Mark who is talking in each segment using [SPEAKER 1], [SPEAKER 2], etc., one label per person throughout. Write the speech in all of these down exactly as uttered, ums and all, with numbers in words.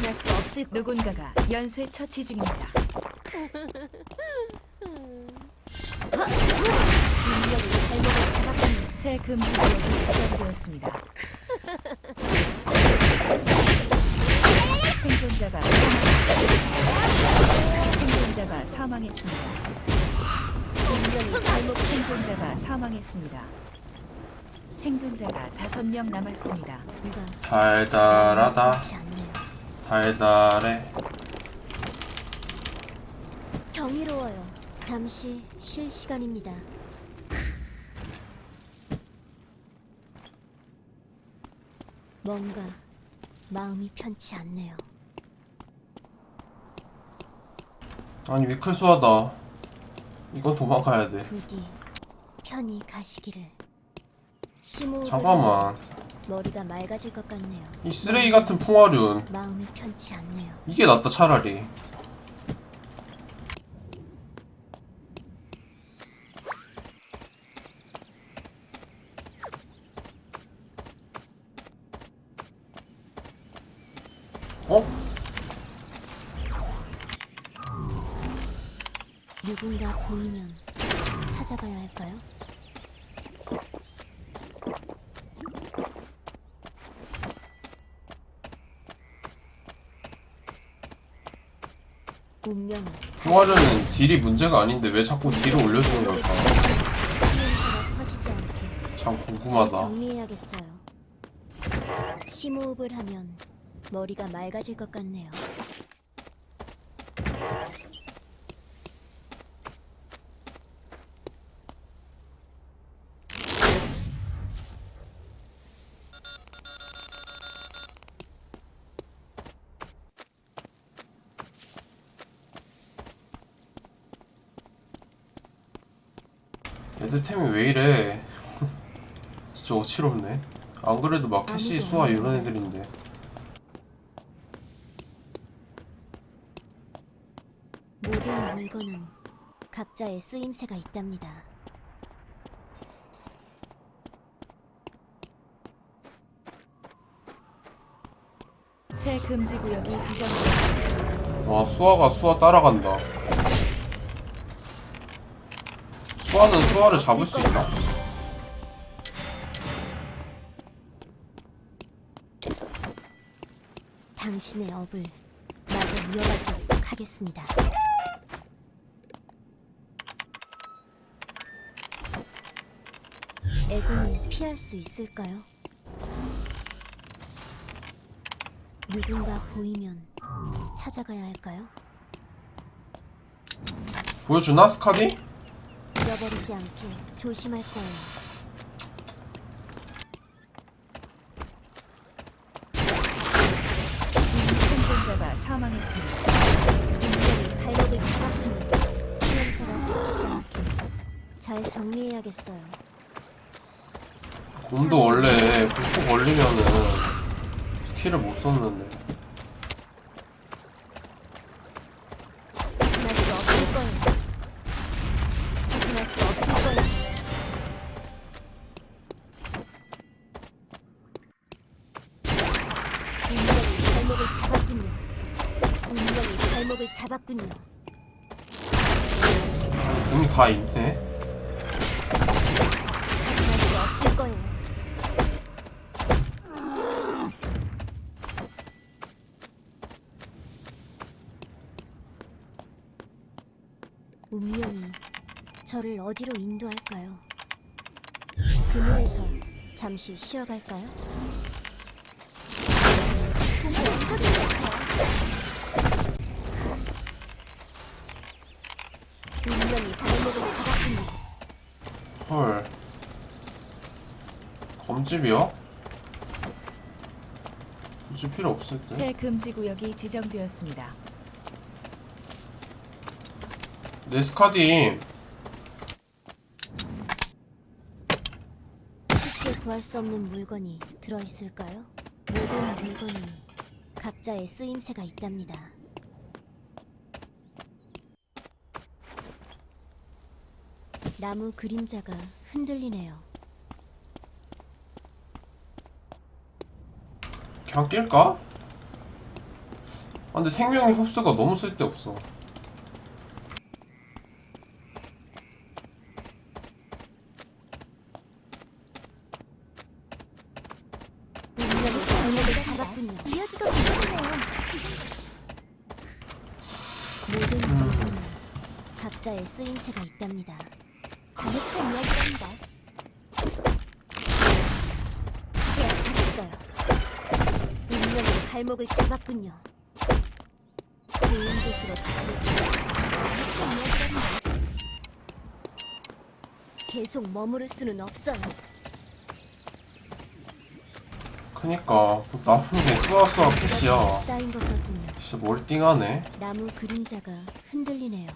[SPEAKER 1] 벗어날 수 없을 누군가가 연쇄 처치 중입니다. 인력이 발목을 잡았군요. 새 금지 구역이 지정되었습니다. 생존자가 생존자가 사망했습니다. 인력이 발목 생존자가 사망했습니다. 생존자가 다섯 명 남았습니다.
[SPEAKER 2] 달달하다. 달달해.
[SPEAKER 3] 경이로워요. 잠시 쉴 시간입니다. 뭔가 마음이 편치 않네요.
[SPEAKER 2] 아니 위클수하다. 이건 도망가야 돼.
[SPEAKER 3] 부디 편히 가시기를. 심호흡을
[SPEAKER 2] 잠깐만.
[SPEAKER 3] 하면 머리가 맑아질 것 같네요.
[SPEAKER 2] 이 쓰레기 같은 풍화륜.
[SPEAKER 3] 마음이 편치 않네요.
[SPEAKER 2] 이게 낫다 차라리. 어?
[SPEAKER 3] 누군가 보이면 찾아가야 할까요? 운명은
[SPEAKER 2] 풍화륜은 딜이 문제가 아닌데 왜 자꾸 딜을 올려주는 걸까?
[SPEAKER 3] 피해서가 퍼지지 않게
[SPEAKER 2] 참
[SPEAKER 3] 잘
[SPEAKER 2] 궁금하다.
[SPEAKER 3] 정리해야겠어요. 심호흡을 하면 머리가 맑아질 것 같네요.
[SPEAKER 2] 애들 템이 왜 이래? 진짜 어지럽네. 안 그래도 막 캐시 수아 이런 애들인데.
[SPEAKER 3] 모든 물건은 각자의 쓰임새가 있답니다.
[SPEAKER 1] 새 금지 구역이 지정되었습니다.
[SPEAKER 2] 와 수아가 수아 따라간다. 수아는 수아를 잡을 수 있나?
[SPEAKER 3] 당신의 업을 마저 이어가도록 하겠습니다. 애군이 피할 수 있을까요? 누군가 보이면 찾아가야 할까요?
[SPEAKER 2] 보여주나 스카디?
[SPEAKER 3] 잃어버리지 않게 조심할 거예요.
[SPEAKER 1] 생존자가 사망했습니다.
[SPEAKER 3] 인간이 발목을 잡았군요. 피해서가 퍼지지 않게 잘 정리해야겠어요.
[SPEAKER 2] 곰도 원래 불꽃 걸리면은 스킬을 못 썼는데.
[SPEAKER 3] 벗어날 수 없을 거예요. 벗어날 수 없을 거예요. 운명이 발목을 잡았군요. 운명이 발목을 잡았군요.
[SPEAKER 2] 곰이 다 있네.
[SPEAKER 3] 벗어날 수 없을 거예요. 운명이 저를 어디로 인도할까요? 그늘에서 잠시 쉬어갈까요? 운명이 발목을 잡았군요.
[SPEAKER 2] 헐. 검집이요? 굳이 필요 없을 때.
[SPEAKER 1] 새 금지 구역이 지정되었습니다.
[SPEAKER 2] 내 스카디.
[SPEAKER 3] 쉽게 구할 수 없는 물건이 들어있을까요? 모든 물건은 각자의 쓰임새가 있답니다. 나무 그림자가 흔들리네요.
[SPEAKER 2] 그냥 낄까? 근데 생명의 흡수가 너무 쓸데없어.
[SPEAKER 3] 운명이 발목을 잡았군요.
[SPEAKER 4] 이야기가 궁금해요.
[SPEAKER 3] 모든 물건은 각자의 쓰임새가 있답니다.
[SPEAKER 4] 잘못한 이야기랍니다.
[SPEAKER 3] 제압하겠어요. 운명이 발목을 잡았군요. 좋은 곳으로 갔을
[SPEAKER 4] 잘못한 이야기랍니다.
[SPEAKER 3] 계속 머무를 수는 없어요.
[SPEAKER 2] 그니까 나쁜 게 수아수아 캐시야.
[SPEAKER 3] 쌓인 것 같군요.
[SPEAKER 2] 진짜 멀띵하네.
[SPEAKER 3] 나무 그림자가 흔들리네요.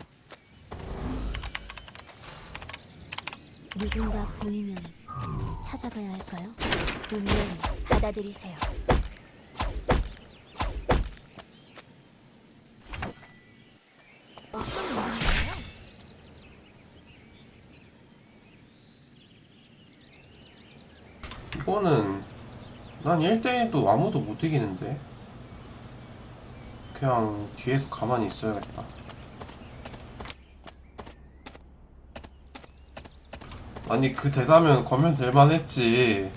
[SPEAKER 3] 누군가 보이면 찾아가야 할까요? 운명을 받아들이세요.
[SPEAKER 4] 어떤 의미인가요?
[SPEAKER 2] 이거는 난 일 대일도 아무도 못 이기는데. 그냥 뒤에서 가만히 있어야겠다. 아니 그 대사면 거면 될만 했지.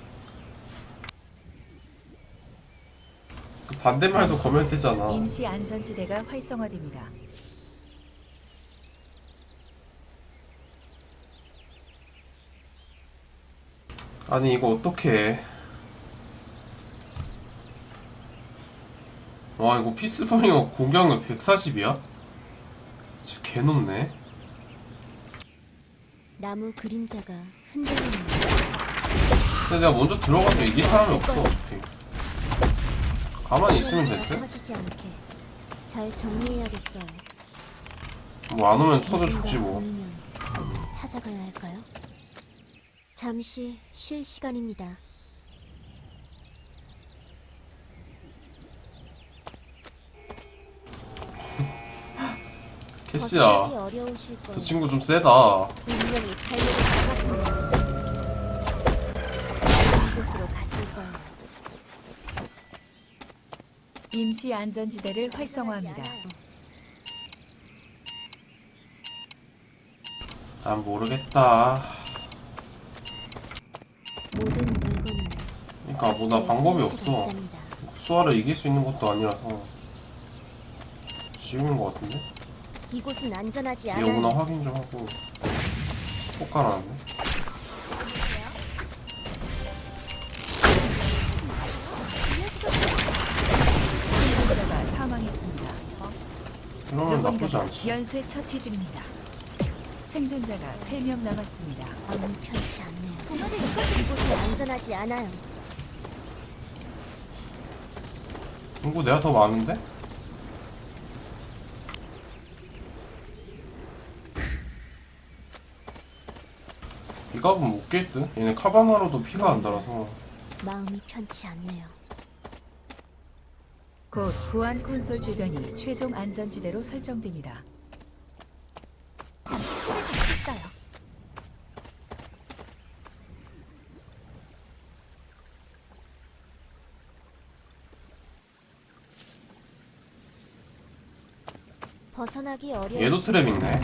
[SPEAKER 2] 그 반대말도 거면 되잖아.
[SPEAKER 1] 임시 안전지대가 활성화됩니다.
[SPEAKER 2] 아니 이거 어떡해. 와 이거 피스버링어 공격력 백사십이야? 진짜 개높네.
[SPEAKER 3] 나무 그림자가 흔들리네요.
[SPEAKER 2] 근데 내가 먼저 들어가면 이길 사람이 없어 어차피. 가만히 있으면 됐대?
[SPEAKER 3] 터지지 않게 잘 정리해야겠어요.
[SPEAKER 2] 뭐 안 오면 쳐도
[SPEAKER 3] 누군가
[SPEAKER 2] 죽지 뭐.
[SPEAKER 3] 보이면 찾아가야 할까요? 잠시 쉴 시간입니다.
[SPEAKER 2] 캐시야
[SPEAKER 3] 벗어나기 어려우실
[SPEAKER 2] 저
[SPEAKER 3] 거예요.
[SPEAKER 2] 친구 좀 세다.
[SPEAKER 3] 분명히 발목을 잡았군요. 이곳으로 갔을 거예요.
[SPEAKER 1] 임시 안전지대를 활성화합니다.
[SPEAKER 2] 난 모르겠다.
[SPEAKER 3] 모든 물건은
[SPEAKER 2] 그러니까 뭐 나 방법이
[SPEAKER 3] 쓰임새가
[SPEAKER 2] 없어.
[SPEAKER 3] 있답니다.
[SPEAKER 2] 수아를 이길 수 있는 것도 아니라서 지금인 것 같은데?
[SPEAKER 3] 이곳은 안전하지
[SPEAKER 2] 얘 오나
[SPEAKER 3] 않아요.
[SPEAKER 2] 확인 좀 하고 폭 깔아놨네.
[SPEAKER 1] 생존자가 사망했습니다.
[SPEAKER 2] 이러면 나쁘지
[SPEAKER 1] 누군가가
[SPEAKER 2] 않지.
[SPEAKER 1] 연쇄 처치 중입니다. 생존자가 세 명 남았습니다.
[SPEAKER 3] 마음이 편치 않네요.
[SPEAKER 4] 동화를 읽어주세요.
[SPEAKER 3] 이곳은 안전하지 않아요.
[SPEAKER 2] 이거 내가 더 많은데? 이 값은 못 깰 듯? 얘네 카바나로도 피가 안 달아서.
[SPEAKER 3] 마음이 편치 않네요.
[SPEAKER 1] 곧 보안 콘솔 주변이 최종 안전지대로 설정됩니다.
[SPEAKER 4] 잠시 총을 받겠어요.
[SPEAKER 3] 벗어나기 어려워.
[SPEAKER 2] 얘도 트랩 있네.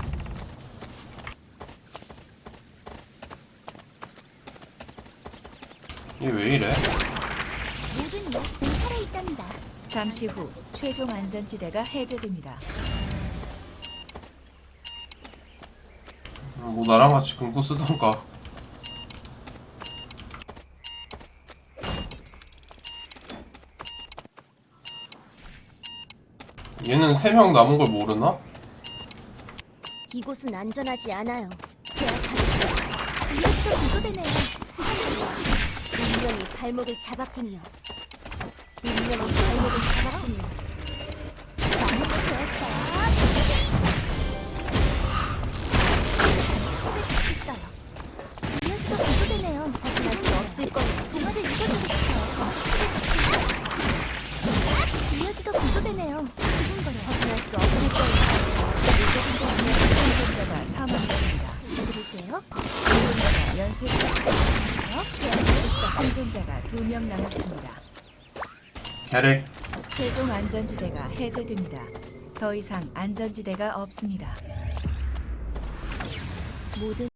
[SPEAKER 2] 얘 왜 이래?
[SPEAKER 4] 모든 이야기는 살아있답니다.
[SPEAKER 1] 잠시 후 최종 안전지대가 해제됩니다.
[SPEAKER 2] 뭐 나랑 같이 금고 쓰던가. 얘는 세 명 남은 걸 모르나?
[SPEAKER 3] 이곳은 안전하지 않아요. 제압하겠어요.
[SPEAKER 4] 이야기가 구조되네요. 지금
[SPEAKER 3] 운명이 발목을 잡았군요. 운명이 발목을 잡았군요.
[SPEAKER 4] 나무가 되었어요. 있어요. 이야기가 구조되네요.
[SPEAKER 3] 벗어날 수 없을 거예요.
[SPEAKER 4] 동화를 읽어주고 싶어요. 이야기가 구조되네요. 지금 거요.
[SPEAKER 3] 벗어날 수 없을 거예요.
[SPEAKER 1] 생존자가 사망했습니다.
[SPEAKER 4] 읽어드릴게요.
[SPEAKER 1] 생존자가 연쇄 처치 중입니다.
[SPEAKER 4] 제압하겠어요.
[SPEAKER 1] 생존자가 두 명 남았습니다.
[SPEAKER 2] 캐릭
[SPEAKER 1] 최종 안전지대가 해제됩니다. 더 이상 안전지대가 없습니다.
[SPEAKER 3] 모든